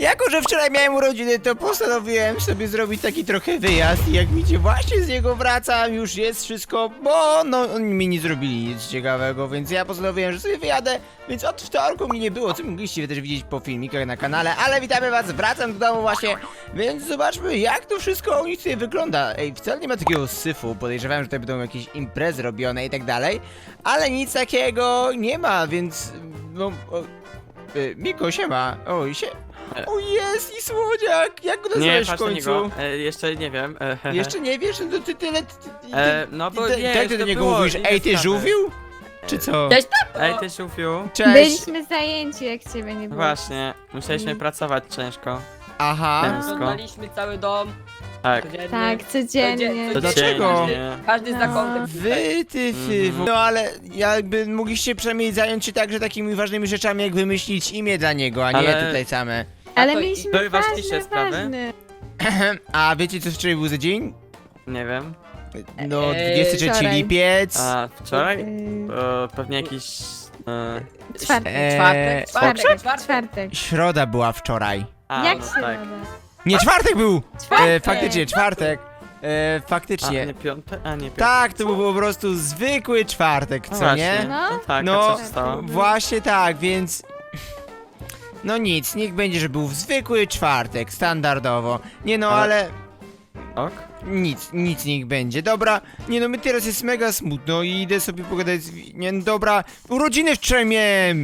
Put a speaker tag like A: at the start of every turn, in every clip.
A: Jako że wczoraj miałem urodziny, to postanowiłem sobie zrobić taki trochę wyjazd i jak widzicie, właśnie z niego wracam, już jest wszystko, bo no oni mi nie zrobili nic ciekawego, więc ja postanowiłem, że sobie wyjadę, więc od wtorku mi nie było, co mogliście też widzieć po filmikach na kanale, ale witamy was, wracam do domu właśnie, więc zobaczmy jak to wszystko u nich tutaj wygląda. Ej, wcale nie ma takiego syfu, podejrzewałem, że tutaj będą jakieś imprezy robione i tak dalej, ale nic takiego nie ma, więc no... Miko, siema, oj, o jest i słodziak! Jak go
B: Nie,
A: nazwałeś w
B: patrz na
A: końcu?
B: niego. Jeszcze nie wiem.
A: Jeszcze nie wiesz? No to ty tyle...
B: No bo nie,
A: Jak ty do
B: to
A: niego
B: było,
A: mówisz?
B: inne
A: Ej, ty
B: sprawy.
A: żółwił? Czy co?
C: Cześć, tato!
B: Ej, ty Szufiu.
A: Cześć!
D: Byliśmy zajęci, jak ciebie nie było.
B: Właśnie, musieliśmy pracować ciężko.
A: Aha.
C: Oglądaliśmy cały dom.
B: Tak.
C: Codziennie.
D: Tak, codziennie.
A: To dlaczego?
C: Każdy z
D: No.
C: zakątem.
A: Wy, ty, No ale jakby mogliście przynajmniej zająć się także takimi ważnymi rzeczami, jak wymyślić imię dla niego, a nie
B: Ale-
A: tutaj same.
D: Ale
C: A to-
D: mieliśmy
B: były ważniejsze
D: ważne,
B: sprawy?
D: ważne.
A: A wiecie co wczoraj był za dzień?
B: Nie wiem.
A: No, 23
D: wczoraj.
A: lipiec.
B: A wczoraj?
D: Yy,
B: Pewnie jakiś...
D: Czwartek. Czwartek.
A: Środa była wczoraj.
D: Jak
B: no
D: się
B: tak.
D: nazywa?
A: Nie, czwartek był!
D: Czwartek.
A: Faktycznie, czwartek.
B: A
A: Faktycznie.
B: nie piątek? A nie piątek.
A: Tak, to był po prostu zwykły czwartek,
B: No
A: co
B: właśnie.
A: nie?
D: No.
B: No tak,
A: No,
B: a co się stało?
A: właśnie tak, więc... No nic, niech będzie, że był w zwykły czwartek, standardowo. Nie no, ale...
B: Ok?
A: Nic niech będzie. Dobra, nie no, my teraz jest mega smutno i idę sobie pogadać z... Nie no, dobra, urodziny wczoraj miałem!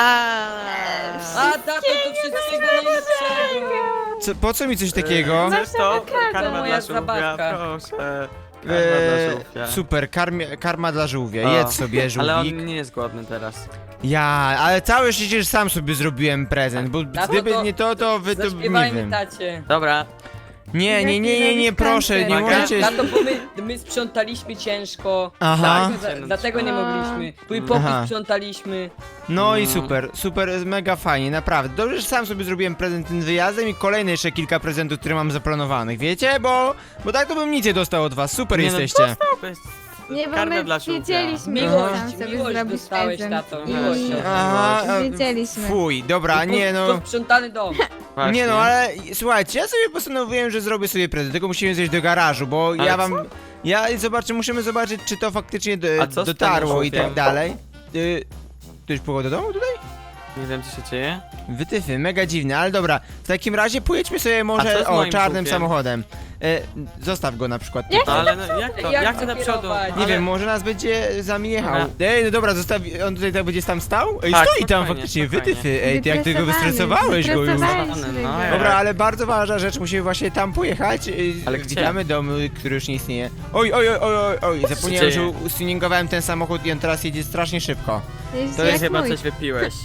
C: A tato, to wszystkiego najlepszego!
A: Co, po co mi coś takiego?
D: Masz
B: To
D: awokado.
B: karma
C: Moja
B: dla żółwia,
C: zabawka.
B: proszę. Karma dla żółwia.
A: Super, karma dla żółwia,
B: O,
A: jedz sobie
B: Ale
A: żółwik.
B: on nie jest głodny teraz.
A: Ja, ale całe szczęście, że sam sobie zrobiłem prezent, bo
C: Tato,
A: gdyby
C: to
A: nie to wy to nie
C: Zaśpiewajmy
A: wiem.
C: tacie.
B: Dobra.
A: Nie, proszę, nie
B: Uwaga.
A: możecie...
C: Tato, bo my sprzątaliśmy ciężko.
A: Aha.
C: Dlatego nie mogliśmy. Twój pokój
A: Aha.
C: sprzątaliśmy.
A: No i super, mega fajnie, naprawdę. Dobrze, że sam sobie zrobiłem prezent tym wyjazdem i kolejne jeszcze kilka prezentów, które mam zaplanowanych, wiecie? Bo tak to bym nic nie dostał od was, super
B: Nie no,
A: jesteście.
B: To jest
D: Nie, bo
B: karma
D: my
B: dla żółwia.
D: wiedzieliśmy, że
C: Miłość,
D: sam sobie
C: miłość
D: zrobić
C: dostałeś,
D: prezent.
C: tato,
D: I
C: miłość.
A: Aha,
D: wiedzieliśmy.
A: Fuj, dobra, nie no...
C: Posprzątany dom.
B: Właśnie.
A: Nie no, ale słuchajcie, ja sobie postanowiłem, że zrobię sobie prezent, tylko musimy zejść do garażu, bo
B: Ale
A: ja
B: co?
A: wam... musimy zobaczyć, czy to faktycznie
B: A co z tym
A: dotarło i
B: żółwiem?
A: tak dalej. Ty już pogoda do domu tutaj?
B: Nie wiem, co się dzieje.
A: Wytyfy, mega dziwne, ale dobra, w takim razie pojedźmy sobie
B: A co
A: może
B: z moim
A: czarnym
B: żółwiem?
A: samochodem. Zostaw go na przykład.
D: Jak
A: tutaj.
B: Ale no, jak to?
C: Jak
B: Jak to do przodu?
C: kierować?
A: Nie
B: Ale-
A: wiem, może nas będzie za mnie jechał.
B: Dobra.
A: Ej, no dobra, on tutaj tak będzie tam stał? Ej,
B: Tak,
A: stoi tam
B: spokojnie,
A: faktycznie,
B: spokojnie.
A: wytyfy. Ej, ty jak ty go wystresowałeś go już.
D: Wytresowaliśmy
B: No,
D: go.
B: ja-
A: Dobra, ale bardzo ważna rzecz, musimy właśnie tam pojechać.
B: Ale gdzie?
A: Witamy dom, który już nie istnieje. Oj, zapomniałem, że
B: dzieje?
A: ustuningowałem ten samochód i on teraz jedzie strasznie szybko.
D: Jest
A: To
D: jak
A: jest
B: Chyba
D: mój.
B: coś wypiłeś.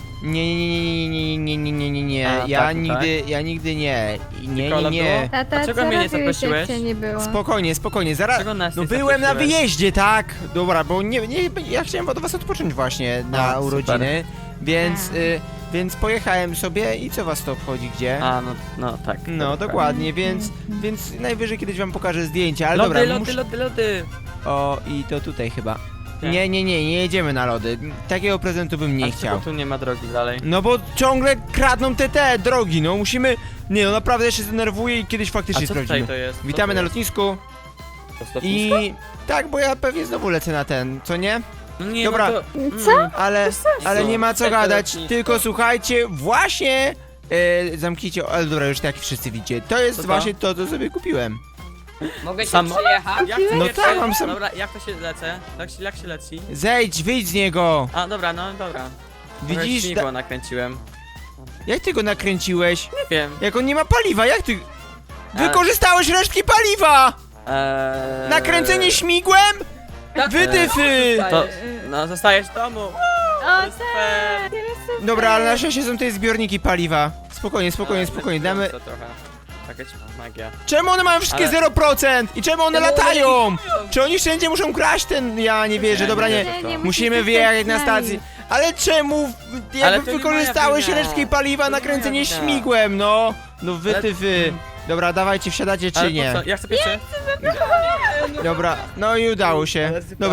A: Nie,
B: A,
A: ja
B: tak,
A: nigdy nie.
B: Kola
A: Nie.
B: było?
D: Tata,
B: Dlaczego
D: co
B: mnie nie
D: robiłeś, jak
B: zaprosiłeś?
D: cię nie było?
A: Spokojnie, zaraz.
B: Dlaczego nas
A: No
B: nie
A: byłem na
B: zaprosiłeś?
A: wyjeździe, tak? Dobra, bo ja chciałem od was odpocząć właśnie na
B: A, super.
A: urodziny, więc pojechałem sobie i co was to obchodzi, gdzie?
B: A, no tak.
A: No,
B: tak.
A: dokładnie, więc najwyżej kiedyś wam pokażę zdjęcie, ale
B: Lody,
A: dobra,
B: lody.
A: O, i to tutaj chyba.
B: Nie.
A: Nie jedziemy na lody. Takiego prezentu bym nie
B: A
A: chciał.
B: czego tu nie ma drogi dalej.
A: No bo ciągle kradną te drogi, no musimy... Nie no, naprawdę ja się zdenerwuję i kiedyś
B: A
A: faktycznie
B: co tutaj
A: sprawdzimy.
B: to jest? Co
A: Witamy
B: to
A: na
B: jest?
A: lotnisku
B: To jest lotnisko?
A: i... Tak, bo ja pewnie znowu lecę na ten, co nie?
B: No nie,
A: Dobra.
B: No to...
D: Co?
A: Ale nie ma co
C: Tego
A: gadać,
C: lotnisko.
A: tylko słuchajcie, właśnie... zamknijcie, ale dobra, już tak wszyscy widzicie. To jest
B: Co to?
A: właśnie to, co sobie kupiłem.
C: Mogę się
B: Sam-
C: przejechać?
B: Jak
A: No
B: to
A: tak, mam sam-
B: Dobra, jak to się lecę? Jak się leci?
A: Wyjdź z niego!
B: A, dobra, no dobra.
A: Widzisz?
B: Śmigło nakręciłem.
A: Jak ty go nakręciłeś?
B: Nie wiem.
A: Jak on nie ma paliwa, jak ty...
B: Ale-
A: Wykorzystałeś resztki paliwa! Nakręcenie śmigłem?
C: Tak,
A: Wytyfy!
B: To, no, zostajesz w domu.
D: O
B: To jest
D: tak,
B: fair.
D: teraz super.
A: Dobra, ale na szczęście są tutaj zbiorniki paliwa. Spokojnie, damy...
B: To trochę. Jakaś magia.
A: Czemu one mają wszystkie
B: Ale-
A: 0%? I czemu one
C: Czemu one
A: latają?
C: nie
A: Czy oni wszędzie muszą kraść ten... Ja nie wierzę, dobra, nie.
B: wierzę w to.
D: Nie,
A: Musimy
D: musicie
A: wyjechać na
D: stać z nami.
A: stacji. Ale czemu?
B: Ale
A: Jakby
B: to nie
A: wykorzystałeś
B: moja wina.
A: resztki paliwa
B: To
A: na
B: nie
A: kręcenie
B: moja wina.
A: śmigłem, no. No wy
B: Ale-
A: ty wy. Dobra, dawajcie, wsiadacie
B: Ale
A: czy nie?
B: po co? Ja chcę pierwszy.
A: Dobra, no i udało się.
B: Ale super.
A: Dobra,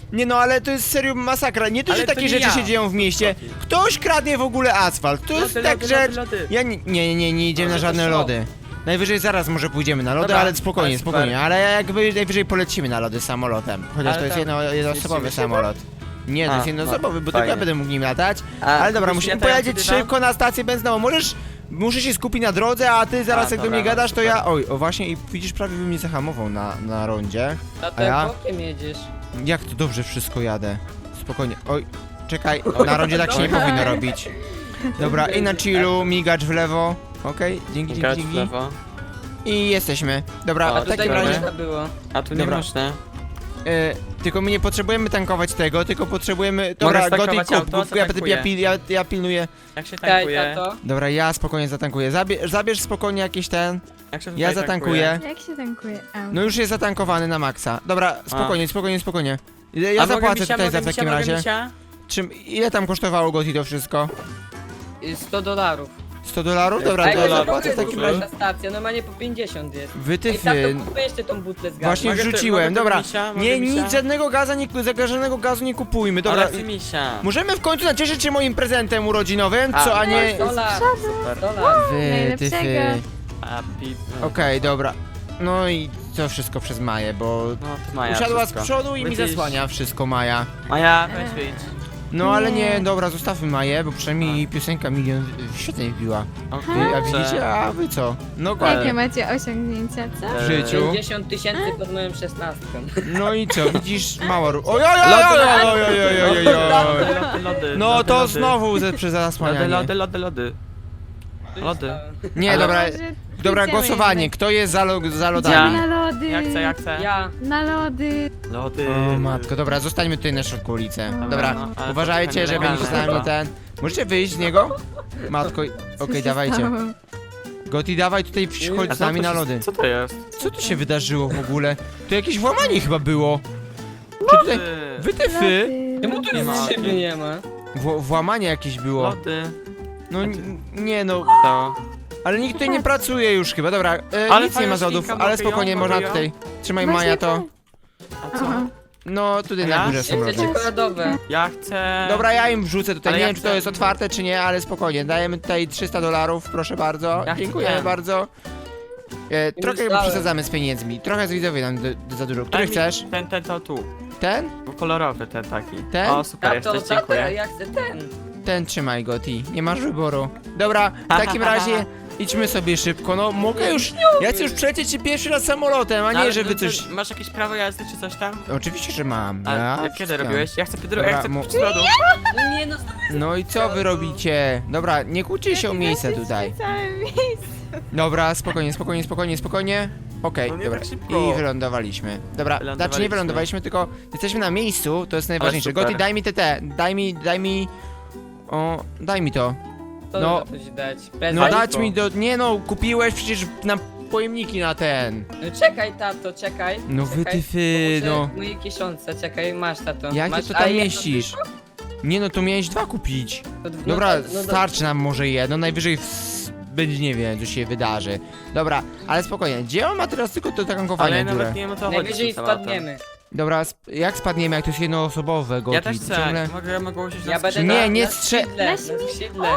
A: Nie no, ale to jest serio masakra. Nie to, że
B: Ale to
A: takie
B: nie
A: rzeczy
B: ja.
A: się dzieją w mieście. Ktoś kradnie w ogóle asfalt. To jest
B: Lody,
A: tak
B: lody,
A: rzecz...
B: lody, lody.
A: Ja nie idziemy na
C: to
A: żadne
C: szok.
A: lody. Najwyżej zaraz może pójdziemy na lody,
B: Dobra,
A: ale spokojnie,
B: ale super.
A: spokojnie. Ale jakby najwyżej polecimy na lody samolotem. Chociaż
B: Ale
A: to jest
B: tam
A: jednoosobowy
B: zmieścimy się
A: samolot. Nie, to
B: A,
A: jest jednoosobowy, bo tylko ja
B: fajnie.
A: będę mógł nim latać.
B: A,
A: Ale dobra,
B: kupisz
A: musimy
B: mnie, to ja
A: pojechać
B: wtedy dam?
A: szybko na stację benzynową. Muszę się skupić na drodze, a ty zaraz jak do
B: dobra,
A: mnie gadasz, to
B: super.
A: ja... Oj, o właśnie, i widzisz, prawie bym mnie zahamował na rondzie.
C: Tato,
A: A ja?
C: jak bokiem jedziesz?
A: Jak to dobrze wszystko jadę. Spokojnie. Oj, czekaj, na rondzie tak się nie powinno robić. Dobra, i na chillu, migacz w lewo. Okej, dzięki,
B: Gać
A: dzięki,
B: w
A: dzięki.
B: lewo.
A: I jesteśmy. Dobra,
B: O,
A: w
C: Tutaj
A: takim
B: dobra.
A: razie...
C: można było.
B: A tu nie
A: Dobra.
B: można.
A: Tylko my nie potrzebujemy tankować tego, tylko potrzebujemy... Dobra,
B: Mogę
A: Goty,
B: stankować
A: kup,
B: auto,
A: kup, ja
B: zatankuję.
A: pilnuję.
B: Jak się
C: Daj,
B: tankuje?
C: tato.
A: Dobra, ja spokojnie zatankuję. Zabierz spokojnie jakiś ten.
B: Jak się
A: Ja
B: tutaj
A: zatankuję.
D: Jak się tankuje auto?
A: No już jest zatankowany na maksa. Dobra, spokojnie. Ja
B: A mogę
A: zapłacę
B: misia,
A: tutaj
B: mogę
A: za w
B: misia,
A: takim
B: mogę
A: razie.
B: misia?
A: Ile tam kosztowało Goty to wszystko?
C: $100.
A: $100? Dobra,
C: Ej,
A: to
B: to
A: ja
B: dobra,
A: zapłacę w takim razie.
C: Ta stacja, normalnie po 50 jest. Ej,
A: Wytyfy.
C: tato, kupię jeszcze tą butlę z gazem.
A: Właśnie
B: Mogę
A: wrzuciłem,
B: mogę
A: dobra.
B: misia? Mogę
A: Nie,
B: misia?
A: nic, żadnego gazu nie kupujmy, dobra.
B: Ale chcę misia.
A: Możemy w końcu nacieszyć się moim prezentem urodzinowym, co, a nie...
C: Dolar.
B: Super.
C: Dolar.
A: Wytyfy.
D: Najlepszego.
B: Happy.
A: Okej, dobra. No i to wszystko przez Maję, bo
B: No, to Maja
A: usiadła
B: wszystko.
A: z przodu i mi
B: Widzisz?
A: zasłania wszystko Maja.
B: Maja, weź wyjdź.
A: No ale nie,
D: Nie.
A: dobra, zostawmy Maję, bo przynajmniej jej piosenka milion świetnie wbiła.
B: Okej,
A: A widzicie, a wy co? No kładnie.
D: Jakie macie osiągnięcia, co?
A: W życiu.
C: 50 000 pod moją 16.
A: No i co, widzisz, mała oj. No
B: lody,
A: to
B: lody.
A: znowu przez
B: Lody,
A: zasłanianie.
B: lody. Lody.
A: Nie,
B: Ale-
A: dobra,
D: Może
A: dobra,
D: pójdziemy
A: głosowanie.
D: jednak.
A: Kto jest za
B: Ja.
A: lodami?
D: Na lody.
B: Ja chcę.
C: Ja.
D: Na lody.
B: Lody.
A: O matko, dobra, zostańmy tutaj na środku ulicy. Dobra,
B: no, ale to
A: uważajcie,
B: trochę
A: żeby nie
B: nielegalne
A: się z nami
B: chyba.
A: ten... Możecie wyjść z niego? Matko,
D: Co
A: okej,
D: się
A: dawajcie.
D: stało?
A: Goti, dawaj tutaj, chodź
B: A
A: z
B: co
A: nami
B: to
A: na
B: się-
A: lody.
B: Co to jest?
A: Co tu się wydarzyło w ogóle? To jakieś włamanie chyba było. Czy tutaj...
B: Lody.
A: Wytyfy!
D: Lody.
C: Czemu tu
B: Nie ma.
C: nic szyby nie ma?
A: Włamanie jakieś było.
B: Lody.
A: No nie no,
B: To.
A: ale nikt tutaj nie pracuje już chyba, dobra,
B: Ale
A: nic nie
B: fajna
A: ma zodów,
B: świnka,
A: ale
B: mogę ją,
A: spokojnie,
B: mogę
A: można
B: ją?
A: tutaj. Trzymaj
D: Właśnie
A: Maja to.
B: A co?
D: Aha.
A: No tutaj
B: Ja?
A: na górze są
C: Jeszcze
A: lody.
C: czekoladowe.
B: Ja chcę...
A: Dobra, ja im wrzucę tutaj,
B: Ale
A: nie
B: ja
A: wiem czy to
B: chcę-
A: jest otwarte czy nie, ale spokojnie, dajemy tutaj $300, proszę bardzo,
B: Ja chcę
A: dziękujemy
B: ten.
A: bardzo. Trochę
C: myślałem.
A: przesadzamy z pieniędzmi, trochę z widzowie nam za dużo. Który
B: Daj mi
A: chcesz?
B: Ten to tu.
A: Ten?
B: Bo kolorowy ten taki.
A: Ten?
B: O, super,
C: Tato,
B: jesteś,
C: tato,
B: dziękuję.
C: ja chcę ten.
A: Ten trzymaj Goti, nie masz wyboru. Dobra, w takim razie idźmy sobie szybko, no mogę już, ja chcę już przejść się pierwszy raz samolotem, a nie
B: Ale
A: żeby
B: to-
A: coś...
B: Masz jakieś prawo jazdy czy coś tam?
A: Oczywiście, że mam.
B: A
A: Ja
B: kiedy
A: wszystko.
B: robiłeś? Ja chcę
A: Dobra,
B: ja chcę
A: mu-
B: pić z lodu.
C: No nie no,
A: No i co wy robicie? Dobra, nie kłóćcie się o miejsce tutaj.
D: Całe miejsce.
A: Dobra, spokojnie. Okej,
B: No nie
A: dobra.
B: tak szybko.
A: I wylądowaliśmy. Dobra, znaczy nie
B: Wylądowaliśmy.
A: wylądowaliśmy, tylko jesteśmy na miejscu, to jest najważniejsze.
B: super.
A: Goti, daj mi daj mi... O, daj mi to.
C: to
A: No.
C: no, coś dać.
A: No
C: Prezent.
A: dać mi do... Nie no, kupiłeś przecież na pojemniki na ten.
C: No czekaj, tato, czekaj.
A: No
C: czekaj.
A: wytyfy,
C: Muszę
A: no.
C: w mojej kieszonce, czekaj, masz tato.
A: Jak
C: masz,
A: ty to
C: a
A: tam
C: jedno
A: mieścisz?
C: tylko?
A: Nie no, to miałeś 2 kupić.
C: To dw-
A: Dobra,
C: no
A: starczy nam może jedno, najwyżej będzie, nie wiem, co się wydarzy. Dobra, ale spokojnie, gdzie on ma teraz tylko do
B: Ale
A: tankowania
B: ja
A: dziurę?
B: nawet nie wiem o co chodzi.
C: Najwyżej
B: z tym tematem.
C: spadniemy.
A: Dobra, jak spadniemy, jak to jest jednoosobowe, Goti?
B: Ja też chcę.
A: Ciągle...
B: Mogę usiąść
C: Ja
B: na
C: będę
B: skrzydle?
A: Nie, nie
C: na
A: strze-
C: skrzydle,
D: Na
C: na
D: śmigło.
C: skrzydle.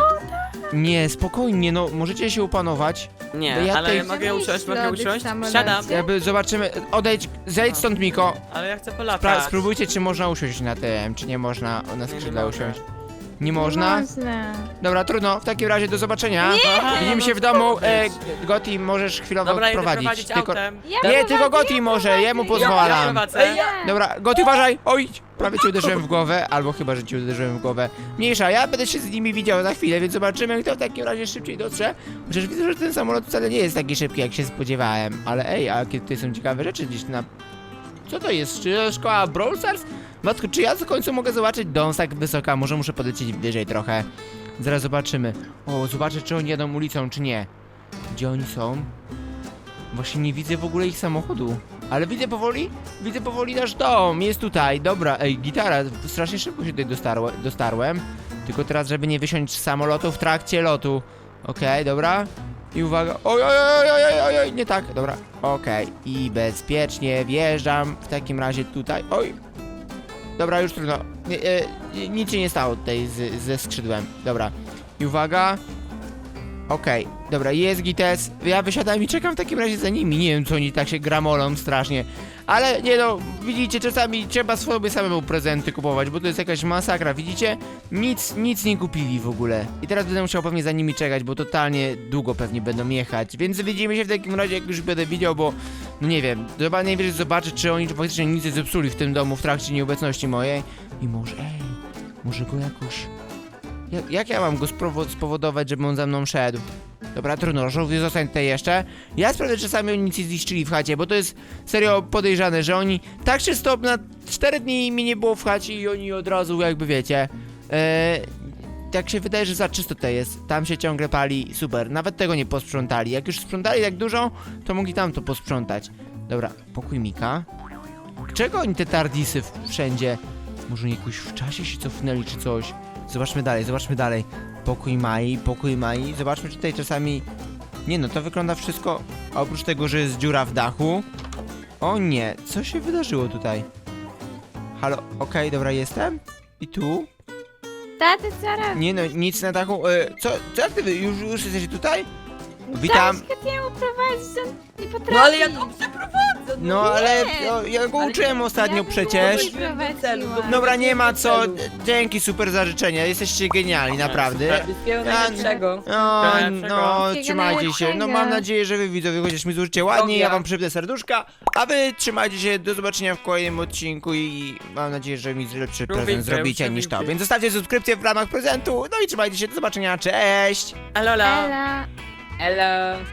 A: Nie, spokojnie, no, możecie się upanować. Bo
B: Nie,
A: ja
B: ale
A: tutaj-
B: ja mogę usiąść,
D: Lody
B: mogę
D: w
B: usiąść.
D: samolocie.
B: Siadam.
A: Jakby zobaczymy, zejdź stąd, Miko.
B: Ale ja chcę polatać.
A: Spróbujcie, czy można usiąść na tym, czy nie można na
B: Nie,
A: skrzydle
B: nie mogę.
A: usiąść. Nie można?
D: Można.
A: Dobra, trudno, w takim razie do zobaczenia.
B: Aha,
A: Widzimy
B: no
A: się w
B: to
A: domu.
B: być.
A: Goti, możesz chwilowo
B: Dobra, jedę
A: prowadzić.
B: prowadzić autem.
D: Ja
A: Nie, tylko Goti może, jemu
B: Ja
A: pozwalam.
B: prowadzę.
A: Dobra, Goti, uważaj! Oj! Prawie cię uderzyłem w głowę, albo chyba, że cię uderzyłem w głowę. Mniejsza, ja będę się z nimi widział za chwilę, więc zobaczymy, kto w takim razie szybciej dotrze. Chociaż widzę, że ten samolot wcale nie jest taki szybki, jak się spodziewałem. Ale ej, a jakie tutaj są ciekawe rzeczy gdzieś na... Co to jest? Czy szkoła Brawl Stars? Matko, czy ja w końcu mogę zobaczyć dom tak wysoka? Może muszę podlecieć wyżej trochę. Zaraz zobaczymy. O, zobaczę, czy oni jadą ulicą, czy nie. Gdzie oni są? Właśnie nie widzę w ogóle ich samochodu. Ale widzę powoli nasz dom, jest tutaj, dobra, ej, gitara, strasznie szybko się tutaj dostarłem. Tylko teraz, żeby nie wysiąść z samolotu w trakcie lotu. Okej, dobra. I uwaga, oj, nie tak, dobra, okej. I bezpiecznie wjeżdżam w takim razie tutaj, oj. Dobra, już trudno. Nic się nie stało tutaj ze skrzydłem. Dobra. I uwaga. Okej, dobra, jest gites. Ja wysiadam i czekam w takim razie za nimi. Nie wiem, co oni tak się gramolą strasznie. Ale nie no, widzicie, czasami trzeba sobie samemu prezenty kupować, bo to jest jakaś masakra, widzicie? Nic nie kupili w ogóle. I teraz będę musiał pewnie za nimi czekać, bo totalnie długo pewnie będą jechać. Więc widzimy się w takim razie, jak już będę widział, bo no nie wiem, najwyżej zobaczę, czy oni faktycznie nic nie zepsuli w tym domu w trakcie nieobecności mojej. I może go jakoś... Jak ja mam go spowodować, żeby on za mną szedł? Dobra, trudno, żółwie, zostań tutaj jeszcze. Ja sprawdzę, czy sami oni nic nie zniszczyli w chacie, bo to jest serio podejrzane, że oni tak się stop na 4 dni mi nie było w chacie i oni od razu jakby wiecie. Tak się wydaje, że za czysto to jest. Tam się ciągle pali, super. Nawet tego nie posprzątali. Jak już sprzątali tak dużo, to mogli tam to posprzątać. Dobra, pokój Mika. Czego oni te tardisy wszędzie? Może oni jakoś w czasie się cofnęli czy coś? Zobaczmy dalej. Pokój Mai. Zobaczmy, czy tutaj czasami... Nie no, to wygląda wszystko... Oprócz tego, że jest dziura w dachu. O nie, co się wydarzyło tutaj? Halo, okej, dobra, jestem. I tu?
D: Tato, co robisz?
A: Nie no, nic na dachu. Co jak ty już jesteś tutaj? Witam.
D: Dałeś go jemu prowadzić, on nie potrafi.
C: No ale ja dobrze prowadzę.
A: No ale
D: Nie.
A: ja go
C: Ale
A: uczyłem ostatnio
D: ja bym
A: przecież.
D: było prowadziła.
A: Dobra, nie ma co. Dzięki, super za życzenia. Jesteście genialni, naprawdę.
C: Wszystkiego
A: Ja-
C: najlepszego.
A: No,
B: Najlepszego.
A: trzymajcie się. No mam nadzieję, że wy widzowie chociaż mi złożycie ładnie, ja wam przypnę serduszka, a wy trzymajcie się, do zobaczenia w kolejnym odcinku i mam nadzieję, że mi lepszy prezent zrobicie niż to. Więc zostawcie subskrypcję w ramach prezentu, no i trzymajcie się, do zobaczenia, cześć!
B: Alola.
D: Ela.
C: Elo.